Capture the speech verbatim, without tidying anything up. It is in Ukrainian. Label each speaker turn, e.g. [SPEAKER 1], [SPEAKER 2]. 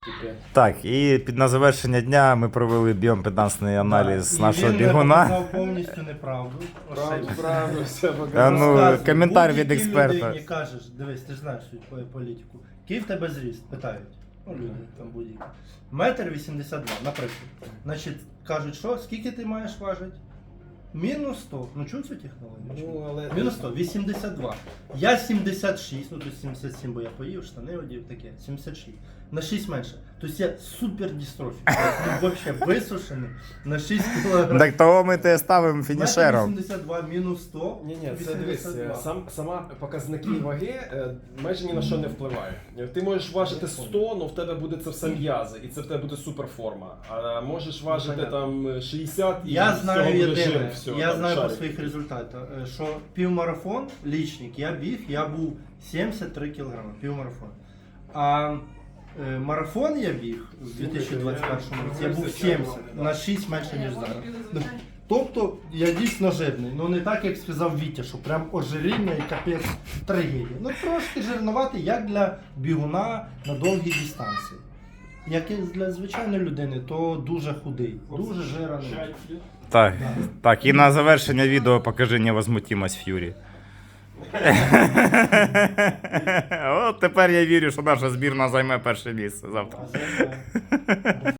[SPEAKER 1] Так, і під на завершення дня ми провели біомпедансний аналіз нашого бігуна.
[SPEAKER 2] Він сказав повністю неправду.
[SPEAKER 3] Правду, правду, все
[SPEAKER 1] А
[SPEAKER 3] показав.
[SPEAKER 1] ну,
[SPEAKER 2] Розказуй,
[SPEAKER 1] коментар від
[SPEAKER 2] будь-якій
[SPEAKER 1] експерта.
[SPEAKER 2] людині кажеш, дивись, ти ж знаєш свою політику. Який в тебе зріст? Питають. Ну, люди там будь-які. Метр вісімдесят два, наприклад. Значить, кажуть, що, скільки ти маєш важити? Мінус сто. Ну чув цю технологію?
[SPEAKER 3] Ну,
[SPEAKER 2] Чув.
[SPEAKER 3] але...
[SPEAKER 2] Мінус сто, вісімдесят два. Я сімдесят шість, ну тут сімдесят сім, бо я поїв, штани одів, таке, сімдесят шість. На шість менше. Тобто я супер дістрофік. Ну, взагалі висушений на шість кілограмів.
[SPEAKER 1] Так того ми те ставимо фінішером.
[SPEAKER 2] вісімдесят два мінус сто.
[SPEAKER 3] Ні, ні, це дивись,
[SPEAKER 2] вісімдесят два.
[SPEAKER 3] сам, сама показники ваги е, майже ні на що не впливає. Ти можеш важити сто, але в тебе буде це все м'язи, і це в тебе буде суперформа. А можеш важити там шістдесят і
[SPEAKER 2] Я
[SPEAKER 3] з
[SPEAKER 2] знаю
[SPEAKER 3] цього буде
[SPEAKER 2] єдине,
[SPEAKER 3] жир, все,
[SPEAKER 2] я
[SPEAKER 3] там,
[SPEAKER 2] знаю по
[SPEAKER 3] шарик.
[SPEAKER 2] своїх результатах, е, що півмарафон, лічник, я біг, я був сімдесят три кілограми, півмарафон. А е, марафон я біг у дві тисячі двадцять першому році, я був сімдесят, на шість менше, ніж зараз. Тобто я дійсно жирний, ну не так, як сказав Вітя, що прям ожиріння і капець трагедія. Ну трошки жирнувати, як для бігуна на довгій дистанції. Як і для звичайної людини, то дуже худий, дуже жирний.
[SPEAKER 1] Так, так, і на завершення відео покажи невозмутимость Ф'юрі. От тепер я вірю, що наша збірна займе перше місце завтра.
[SPEAKER 2] А це-